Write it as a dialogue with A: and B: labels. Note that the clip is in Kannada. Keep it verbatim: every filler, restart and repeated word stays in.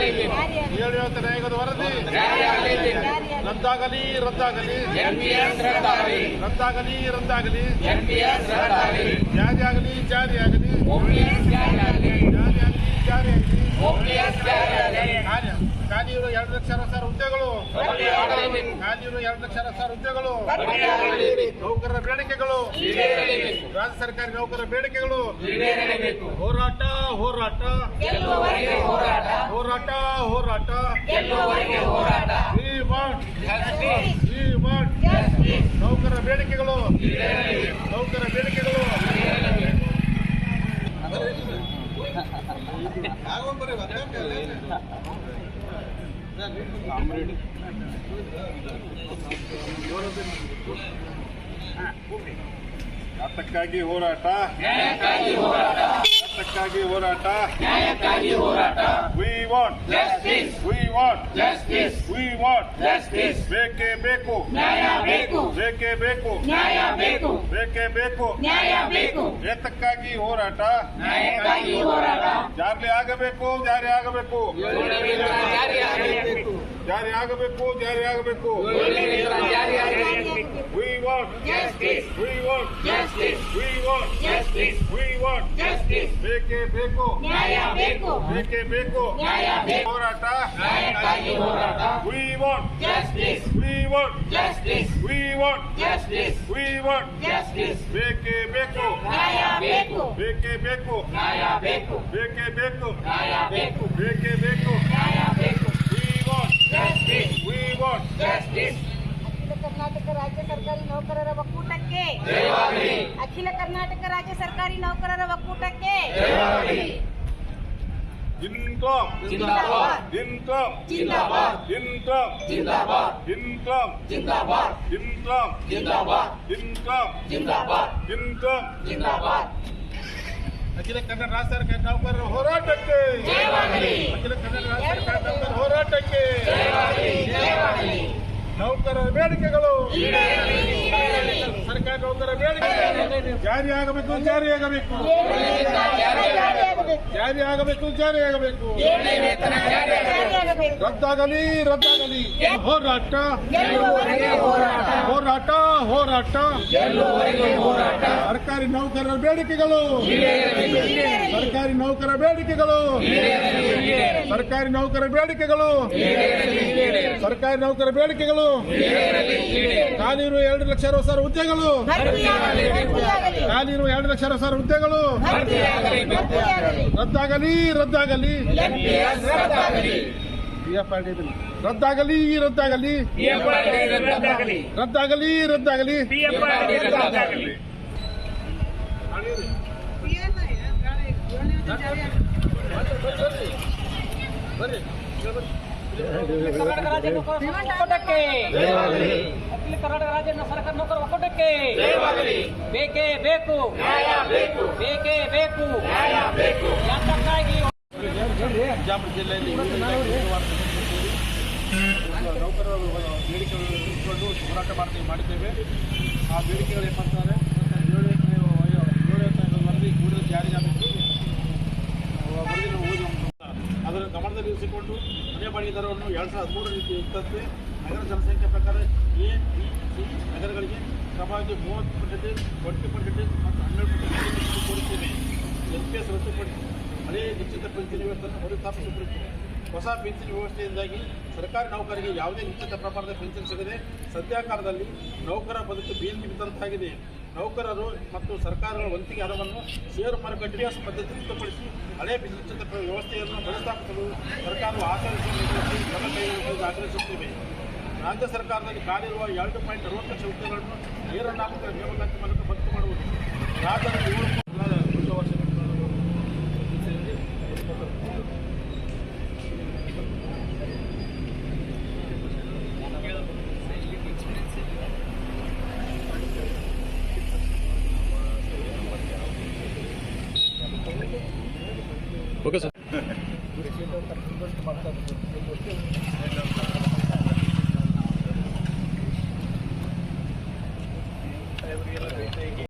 A: ಏಳು ಆಯೋಗದ ವರದಿ ರದ್ದಾಗಲಿ ರದ್ದಾಗಲಿ ರದ್ದಾಗಲಿ ರದ್ದಾಗಲಿ ಜಾರಿಯಾಗಲಿ ಜಾರಿಯಾಗಲಿ ಜಾರಿಯಾಗಲಿ ಜಾರಿಯಾಗಲಿ ಖಾಲಿಯಿರುವ ಎರಡು ಲಕ್ಷ ಅರವತ್ತು ಸಾವಿರ ಹುದ್ದೆಗಳು ಖಾಲಿಯಿರುವ ಎರಡು ಲಕ್ಷ ಅರವತ್ತು ಸಾವಿರ ಹುದ್ದೆಗಳು ನೌಕರರ ಬೇಡಿಕೆಗಳು ರಾಜ್ಯ ಸರ್ಕಾರಿ ನೌಕರರ ಬೇಡಿಕೆಗಳು ಹೋರಾಟ ಹೋರಾಟ ಹೋರಾಟ ಹೋರಾಟ ನೌಕರರ ಬೇಡಿಕೆಗಳು ನೌಕರರ ಬೇಡಿಕೆಗಳು ನ್ಯಾಯಕ್ಕಾಗಿ ಹೋರಾಟ ನ್ಯಾಯಕ್ಕಾಗಿ ಹೋರಾಟ we want justice we want justice we want justice ಬೇಕೇ ಬೇಕು ನ್ಯಾಯ ಬೇಕು ಬೇಕೇ ಬೇಕು ನ್ಯಾಯ ಬೇಕು ಬೇಕೇ ಬೇಕು ನ್ಯಾಯ ಬೇಕು ಏತಕ್ಕಾಗಿ ಹೋರಾಟ ನ್ಯಾಯಕ್ಕಾಗಿ ಹೋರಾಟ ಜಾರಿ ಆಗಬೇಕು ಜಾರಿ ಆಗಬೇಕು ಜಾರಿ ಆಗಬೇಕು ಜಾರಿ ಆಗಬೇಕು we want justice we want justice we want justice we want justice ಬೇಕೇ ಬೇಕು ನ್ಯಾಯ ಬೇಕು ಬೇಕೇ ಬೇಕು ನ್ಯಾಯ ಬೇಕು ಹೋರಾಟ ನ್ಯಾಯಕ್ಕಾಗಿ ಹೋರಾಟ we want justice we want justice we want justice we want justice ಬೇಕೇ ಬೇಕು ನ್ಯಾಯ ಬೇಕು ಬೇಕೇ ಬೇಕು ನ್ಯಾಯ ಬೇಕು ಬೇಕೇ ಬೇಕು ನ್ಯಾಯ ಬೇಕು ಬೇಕೇ ಬೇಕು ನ್ಯಾಯ ಬೇಕು we want justice we want justice
B: ಅಖಿಲ ಕರ್ನಾಟಕ ರಾಜ್ಯ ಸರ್ಕಾರಿ ನೌಕರರ ಒಕ್ಕೂಟಕ್ಕೆ ಅಖಿಲ ಕರ್ನಾಟಕ ರಾಜ್ಯ ಸರ್ಕಾರಿ ನೌಕರರ ಒಕ್ಕೂಟಕ್ಕೆ
A: ಇನ್ಕಮ್ ಜಿಂದಾಬಾದ್ ಇನ್ಕಮ್ ಜಿಂದಾಬಾದ್ ಇನ್ಕಮ್ ಜಿಂದಾಬಾದ್ ಇನ್ಕಮ್ ಜಿಂದಾಬಾದ್ ಇನ್ಕಮ್ ಜಿಂದಾಬಾದ್ ಇನ್ಕಮ್ ಜಿಂದಾಬಾದ್ ಇನ್ಕಮ್ ಜಿಂದಾಬಾದ್ ಅಖಿಲ ಕನ್ನಡ ರಾಜ್ಯ ಸರ್ಕಾರಿ ನೌಕರರ ಹೋರಾಟಕ್ಕೆ ಅಖಿಲ ಕನ್ನಡ ರಾಜ್ಯ ಸರ್ಕಾರಿ ನೌಕರರ ಹೋರಾಟಕ್ಕೆ ನೌಕರರ ಬೇಡಿಕೆಗಳು ಸರ್ಕಾರಿ ನೌಕರರ ಬೇಡಿಕೆ ಜಾರಿಯಾಗಬೇಕು ಜಾರಿಯಾಗಬೇಕು ಜಾರಿಯಾಗಬೇಕು ಜಾರಿಯಾಗಬೇಕು ರದ್ದಾಗಲಿ ರದ್ದಾಗಲಿ ಹೋರಾಟ ಹೋರಾಟ ಹೋರಾಟ ಸರ್ಕಾರಿ ನೌಕರರ ಬೇಡಿಕೆಗಳು ಸರ್ಕಾರಿ ನೌಕರರ ಬೇಡಿಕೆಗಳು ಸರ್ಕಾರಿ ನೌಕರರ ಬೇಡಿಕೆಗಳು ಸರ್ಕಾರಿ ನೌಕರರ ಬೇಡಿಕೆಗಳು ಖಾಲಿರುವ ಎರಡು ಲಕ್ಷ ಅರವತ್ತು ಸಾವಿರ ಹುದ್ದೆಗಳು ಖಾಲಿರುವ ಎರಡು ಲಕ್ಷ ಅರವತ್ತು ಸಾವಿರ ಹುದ್ದೆಗಳು ರದ್ದಾಗಲಿ ರದ್ದಾಗಲಿ ರದ್ದಾಗಲಿ ರದ್ದಾಗಲಿ ರದ್ದಾಗಲಿ ರದ್ದಾಗಲಿ ಬರ್ರಿ
C: ಕರ್ನಾಟಕ ರಾಜ್ಯ ಒಕ್ಕೂಟಕ್ಕೆ ಅಖಿಲ ಕರ್ನಾಟಕ ರಾಜ್ಯ ಸರ್ಕಾರ ನೌಕರರ ಒಕ್ಕೂಟಕ್ಕೆ ಬೇಕೇ ಬೇಕು ಬೇಕೇ ಬೇಕು ಯಾತಕ್ಕಾಗಿ
A: ಬಿಜಾಪುರ ಜಿಲ್ಲೆಯಲ್ಲಿ ನೌಕರರ ಬೇಡಿಕೆಗಳು ಇಟ್ಟುಕೊಂಡು ಹೋರಾಟ ಮಾಡ್ತೀವಿ ಮಾಡಿದ್ದೇವೆ. ಆ ಬೇಡಿಕೆಗಳು ಏನಂತಾರೆ ಏಳು ಏಳು ವರದಿ ಕೂಡಲೇ ಜಾರಿಯಾಗಬೇಕು. ವರದಿನ ಓದಿ ಅದರ ಗಮನದಲ್ಲಿ ಇರಿಸಿಕೊಂಡು ಮನೆ ಬಾಡಿಗೆ ದರವನ್ನು ಎರಡು ಸಾವಿರದ ಹದಿಮೂರರಲ್ಲಿ ಇತ್ತಂತೆ ನಗರ ಜನಸಂಖ್ಯೆ ಪ್ರಕಾರ ಎ ಬಿ ಸಿ ನಗರಗಳಿಗೆ ಕ್ರಮವಾಗಿ ಮೂವತ್ತು ಪರ್ಸೆಂಟೇಜ್ ಟ್ವೆಂಟಿ ಪರ್ಸೆಂಟೇಜ್ ಮತ್ತು ಹನ್ನೆರಡು ಪರ್ಸೆಂಟೇಜ್ ತೋರಿಸಿದ್ದೇವೆ. ಎನ್ ಪಿ ಎಸ್ ರದ್ದುಪಡಿಸಿ ಹಳೆ ನಿಶ್ಚಿತ ಪಿಂಚಣಿ ವ್ಯವಸ್ಥೆಯನ್ನು ಮರುಸ್ಥಾಪಿಸಬೇಕು. ಹೊಸ ಪಿಂಚಣಿ ವ್ಯವಸ್ಥೆಯಿಂದಾಗಿ ಸರ್ಕಾರಿ ನೌಕರರಿಗೆ ಯಾವುದೇ ನಿಶ್ಚಿತ ಪ್ರಮಾಣದ ಪಿಂಚಣಿ ಸಿಗದೆ ಸದ್ಯಕಾಲದಲ್ಲಿ ನೌಕರ ಬದುಕು ಬೀದಿಗೆ ಬಿದ್ದಂತಾಗಿದೆ. ನೌಕರರು ಮತ್ತು ಸರ್ಕಾರಗಳ ವಂತಿಗೆ ಹಣವನ್ನು ಷೇರು ಮಾರುಕಟ್ಟೆ ಪದ್ಧತಿ ರದ್ದುಪಡಿಸಿ ಹಳೆ ನಿಶ್ಚಿತ ವ್ಯವಸ್ಥೆಯನ್ನು ಮರುಸ್ಥಾಪಿಸಲು ಸರ್ಕಾರವು ಆಚರಿಸಿ ಕ್ರಮ ಕೈಗೊಳ್ಳುವುದು ಆಗ್ರಹಿಸುತ್ತೇವೆ. ರಾಜ್ಯ ಸರ್ಕಾರದಲ್ಲಿ ಖಾಲಿರುವ ಎರಡು ಪಾಯಿಂಟ್ ಅರವತ್ತು ಲಕ್ಷ ಹುದ್ದೆಗಳನ್ನು ನೇರ ನಾಮಕರ ನೇಮಕಾತಿ ಮೂಲಕ ಭರ್ತಿ ಮಾಡುವುದು. ರಾಜ್ಯದ ಏಳು ವರ್ಷ
D: ಓಕೆ ಸರ್.